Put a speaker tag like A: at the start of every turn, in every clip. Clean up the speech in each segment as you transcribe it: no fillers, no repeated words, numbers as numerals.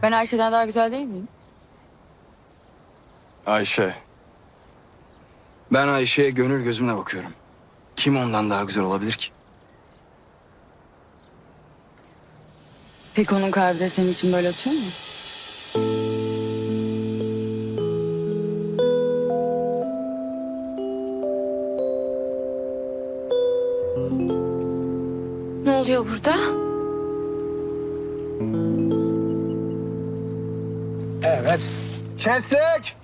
A: Ben Ayşe'den daha güzel değil miyim?
B: Ayşe. Ben Ayşe'ye gönül gözümle bakıyorum. Kim ondan daha güzel olabilir ki?
A: Peki onun kalbi de senin için böyle atıyor mu?
C: Ne oluyor burada?
D: Evet. Kestik.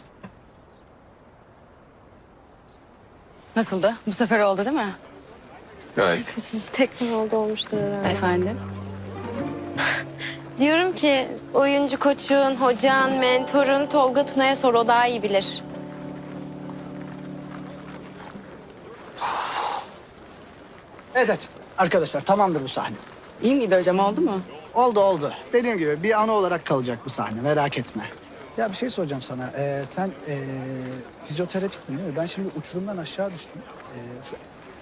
A: Nasıldı? Bu sefer oldu değil mi?
B: Gayet.
C: Tekrar olmuştur herhalde.
A: Efendim?
C: Diyorum ki oyuncu koçun, hocan, mentorun Tolga Tuna'ya sor, o daha iyi bilir.
D: Evet. Arkadaşlar tamamdır bu sahne.
A: İyi miydi hocam, oldu mu?
D: Oldu. Dediğim gibi bir anı olarak kalacak bu sahne. Merak etme. Ya bir şey soracağım sana. Sen fizyoterapistin değil mi? Ben şimdi uçurumdan aşağı düştüm. Şu...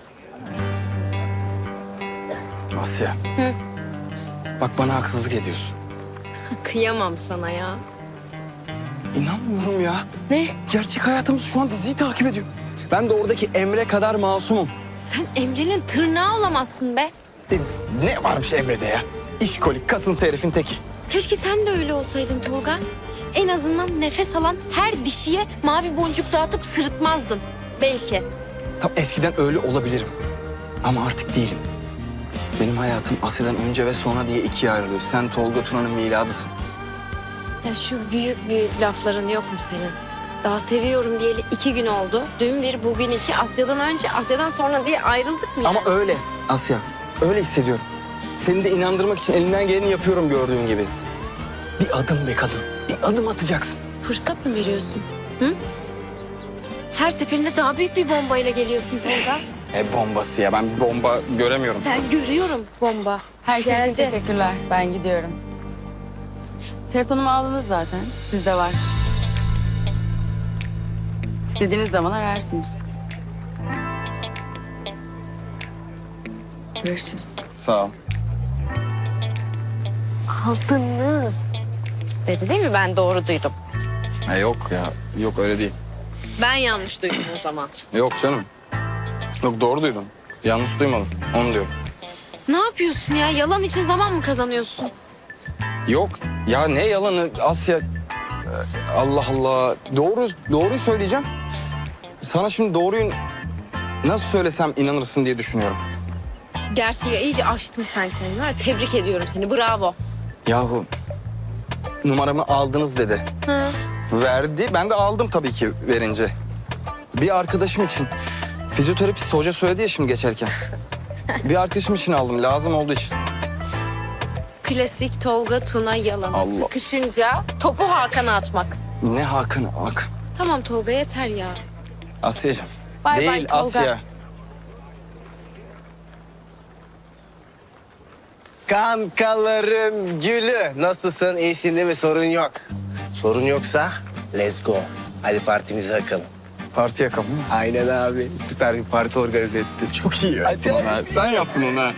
B: Asya. Hı? Bak bana haksızlık ediyorsun.
C: Kıyamam sana ya.
B: İnanmıyorum ya.
C: Ne?
B: Gerçek hayatımız şu an diziyi takip ediyor. Ben de oradaki Emre kadar masumum.
C: Sen Emre'nin tırnağı olamazsın be.
B: Ne varmış Emre'de ya? İşkolik, kasıntı herifin teki.
C: Keşke sen de öyle olsaydın Tolga. En azından nefes alan her dişiye mavi boncuk dağıtıp sırıtmazdın. Belki.
B: Tam eskiden öyle olabilirim. Ama artık değilim. Benim hayatım Asya'dan önce ve sonra diye ikiye ayrılıyor. Sen Tolga Tuna'nın miladısın.
C: Ya şu büyük büyük lafların yok mu senin? Daha seviyorum diyeli 2 gün oldu. Dün bir, bugün iki. Asya'dan önce, Asya'dan sonra diye ayrıldık mı ya?
B: Ama öyle Asya. Öyle hissediyorum. Seni de inandırmak için elinden geleni yapıyorum gördüğün gibi. Bir adım be kadın. Bir adım atacaksın.
C: Fırsat mı veriyorsun? Hı? Her seferinde daha büyük bir bombayla geliyorsun Tolga.
B: Bombası ya. Ben bir bomba göremiyorum şu an.
C: Ben görüyorum bomba.
A: Her şey için
C: Geldi.
A: teşekkürler. Ben gidiyorum. Telefonumu aldınız zaten. Sizde var. İstediğiniz zaman ararsınız. Görüşürüz.
B: Sağ ol.
C: Aldınız. Dedi değil mi? Ben doğru duydum.
B: Yok ya. Yok öyle değil.
C: Ben yanlış duydum o zaman.
B: Yok canım. Yok doğru duydum. Yanlış duymadım. Onu diyorum.
C: Ne yapıyorsun ya? Yalan için zaman mı kazanıyorsun?
B: Yok. Ya ne yalanı Asya. Allah Allah. Doğruyu söyleyeceğim. Sana şimdi doğruyu nasıl söylesem inanırsın diye düşünüyorum.
C: Gerçeği iyice aştın sen kendini. Var ya, tebrik ediyorum seni. Bravo.
B: Yahu numaramı aldınız dedi.
C: Hı.
B: Verdi. Ben de aldım tabii ki verince. Bir arkadaşım için. Fizyoterapist hoca söyledi ya şimdi geçerken. Bir arkadaşım için aldım. Lazım olduğu için.
C: Klasik Tolga Tuna yalanı.
B: Allah.
C: Sıkışınca topu Hakan'a atmak.
B: Ne Hakan bak.
C: Tamam Tolga, yeter ya.
B: Asya'cığım.
C: Bay
B: Değil
C: bay Tolga.
B: Asya.
E: Kankaların gülü. Nasılsın? İyisin değil mi? Sorun yok. Sorun yoksa let's go. Hadi partimize yakalım.
B: Parti yakalım mı?
E: Aynen abi. Süper bir parti organize ettim.
B: Çok iyi yaptın onu ha. Sen yaptın onu ha.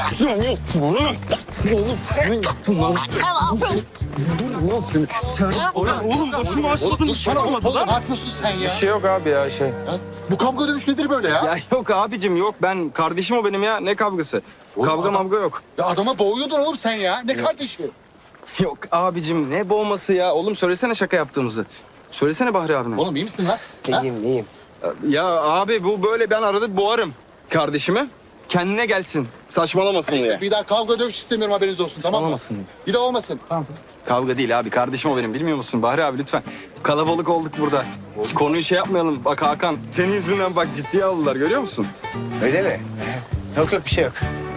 F: Oğlum boşuna başladın dışarı olmadılar.
D: Ne yapıyorsun sen
B: Bir
D: ya?
B: şey yok abi ya şey.
D: Bu kavga dövüş nedir böyle ya?
B: Ya yok abicim yok. Ben kardeşim o benim ya. Ne kavgası?
D: Oğlum
B: Kavga
D: adam-
B: mavga yok.
D: Ya adama boğuyordun oğlum sen ya. Ne kardeşi?
B: Yok abicim ne boğması ya. Oğlum söylesene şaka yaptığımızı. Söylesene Bahri abine.
D: Oğlum iyi misin lan? Ha?
E: İyiyim.
B: Ya abi bu böyle ben arada boğarım kardeşimi. Kendine gelsin. Saçmalamasın diye.
D: Neyse, bir daha kavga dövüş istemiyorum, haberiniz olsun, tamam mı?
B: Olmasın.
D: Bir daha olmasın. Tamam.
B: Kavga değil abi. Kardeşim o benim. Bilmiyor musun Bahri abi lütfen. Kalabalık olduk burada. Konuyu şey yapmayalım. Bak Hakan senin yüzünden bak ciddiye aldılar görüyor musun?
E: Öyle mi? Yok bir şey yok.